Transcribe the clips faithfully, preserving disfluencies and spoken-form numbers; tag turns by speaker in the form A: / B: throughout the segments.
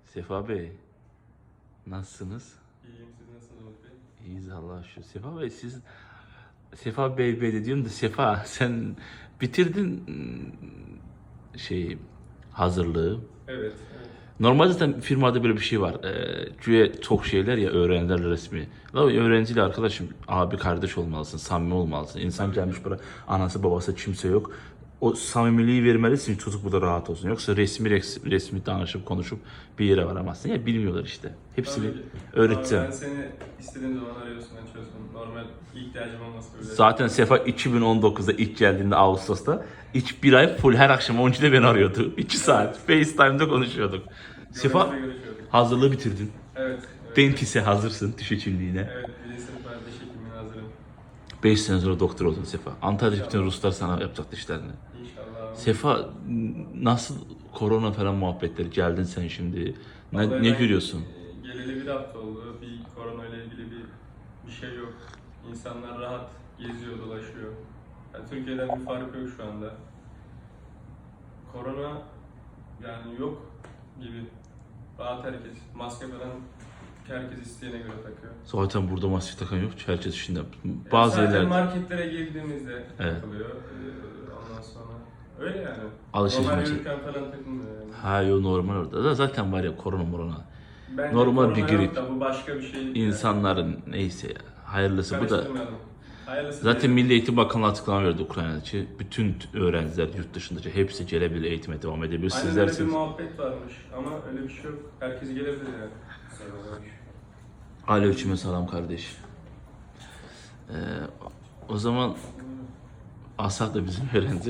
A: Sefa Bey, nasılsınız?
B: İyiyim, siz nasılsınız Umut Bey?
A: İyiyiz Allah'a şükür. Sefa Bey siz, Sefa Bey Bey de diyorum da Sefa sen bitirdin ım, şey hazırlığı.
B: Evet, evet.
A: Normalde zaten firmada böyle bir şey var. Ee, güya çok şeyler ya öğrenciler resmi. La öğrenciyle arkadaşım abi kardeş olmalısın, samimi olmalısın. İnsan gelmiş buraya anası babası kimse yok. O samimiliği vermelisin çocuk burada rahat olsun. Yoksa resmi resmi, resmi danışıp konuşup bir yere varamazsın. Ya bilmiyorlar işte. Hepsini
B: Tabii ki.
A: öğreteceğim.
B: Abi ben seni istediğim zaman arıyorsun, açıyorsun. Normal ihtiyacım olması bile.
A: Zaten Sefa iki bin on dokuzda ilk geldiğinde Ağustos'ta ilk bir ay full her akşam on ikide beni arıyordu. iki saat FaceTime'da konuşuyorduk. Sefa
B: Görüşme görüşüyorduk.
A: hazırlığı bitirdin.
B: Evet. evet.
A: Dentise hazırsın diş hekimliğine.
B: Evet, birinci sınıf var, diş hekimliğine hazırım.
A: beş sene sonra doktor oldun Sefa. Antalya'da bütün Ruslar sana yapacak dişlerini.
B: İnşallah.
A: Sefa nasıl korona falan muhabbetleri geldin sen şimdi? Ne,
B: Vallahi
A: ne
B: ben,
A: görüyorsun?
B: e, Geleli bir hafta oldu. Bir korona ile ilgili bir bir şey yok. İnsanlar rahat geziyor, dolaşıyor. Yani Türkiye'den bir fark yok şu anda. Korona yani yok gibi. Rahat herkes. Maske falan herkes isteyene göre takıyor.
A: Zaten burada maske takan yok. Herkes içinde. Bazı
B: Zaten
A: yerlerde
B: marketlere girdiğimizde
A: Evet.
B: takılıyor. Ee, ondan sonra öyle yani.
A: Alışveriş
B: Normal
A: maçı.
B: yürürken falan takılmıyor yani.
A: ha yo normal orada. Da zaten var ya korona morona.
B: Bence
A: Normal
B: korona
A: bir grip.
B: yok da bu başka bir şey.
A: İnsanların neyse ya. Hayırlısı bu da.
B: Karıştırmayalım. Hayırlısı
A: Zaten
B: değil.
A: Milli Eğitim Bakanlığı açıklama verdi Ukrayna'daki. Bütün öğrenciler yurt dışındaki hepsi gelebilir, eğitime devam edebilir.
B: Aynen
A: Sizler
B: öyle bir
A: siz.
B: muhabbet varmış ama öyle bir şey yok. Herkes gelebilir yani.
A: Aleyküm selam kardeş. Ee, o zaman Asap da bizim öğrenci.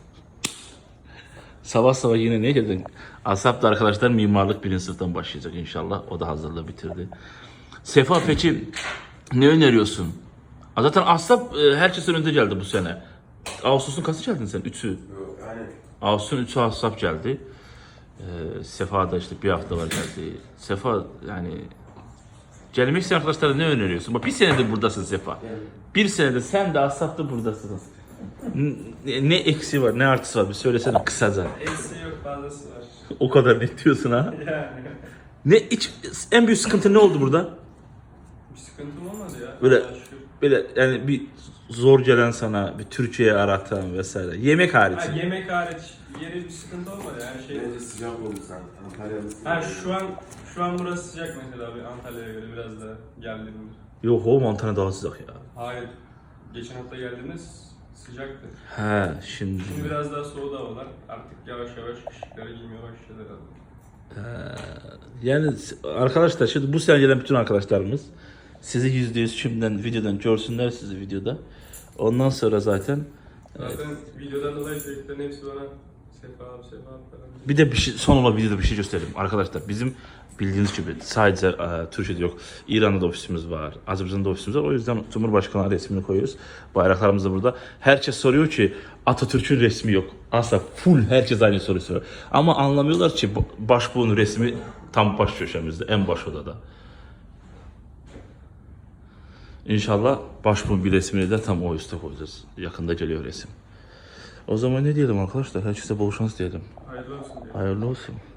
A: Sabah sabah yine ne geldin? Asap da arkadaşlar mimarlık birinci sınıftan başlayacak inşallah. O da hazırlığı bitirdi. Sefa peki ne öneriyorsun? Aa, Zaten Asap e, herkesin önünde geldi bu sene. Ağustos'un kaçı geldin sen? Üçü. Ağustos'un üçü Asap geldi. Ee, Sefa da işte bir hafta var geldi. Sefa yani gelmek isteyen arkadaşlara ne öneriyorsun? Bak bir senedir buradasın Sefa. Bir senedir sen de Asap da buradasınız. Ne, ne eksi var, ne artısı var bir söylesene kısaca.
B: Eksiği yok, fazlası var.
A: O kadar ne diyorsun ha?
B: Yani
A: Ne iç, en büyük sıkıntı ne oldu burada?
B: bir sıkıntım olmadı ya.
A: Böyle
B: Allah'a şükür.
A: böyle yani bir zor gelen sana bir Türkiye'ye aratan vesaire. Yemek hariç.
B: Ha, yemek hariç yeri bir sıkıntı olmadı yani şey.
C: Bence sıcak oldu sen. Antalya'lısın.
B: Ha şu an şu an burası sıcak mesela bir Antalya'ya göre biraz da geldiğimde.
A: Yok o Montana daha sıcak ya.
B: Hayır. Geçen hafta geldiğimiz sıcaktı.
A: He şimdi.
B: Şimdi biraz daha soğudu havalar. Artık yavaş yavaş kışlıkları giymeye başladı herhalde.
A: Yani arkadaşlar şimdi bu sene gelen bütün arkadaşlarımız sizi yüzde yüz şimdiden videodan görsünler sizi videoda. Ondan sonra zaten
B: Zaten videodan dolayı çocukların hepsi bana Sefa abi, Sefa abi falan.
A: bir de bir şey, son olarak videoda bir şey göstereyim. Arkadaşlar bizim bildiğiniz gibi sadece e, Türkiye'de yok. İran'da da ofisimiz var. Azerbaycan'da ofisimiz var. O yüzden Cumhurbaşkanı resmini koyuyoruz. Bayraklarımız da burada. Herkes soruyor ki Atatürk'ün resmi yok. Asla full herkes aynı soruyu soruyor. Ama anlamıyorlar ki başbuğun resmi tam baş köşemizde. En baş odada. İnşallah başbuğun bir resmini de tam o üstte koyacağız. Yakında geliyor resim. O zaman ne diyelim arkadaşlar? Herkese bol şans diyelim.
B: Hayırlı olsun diye.
A: Hayırlı olsun.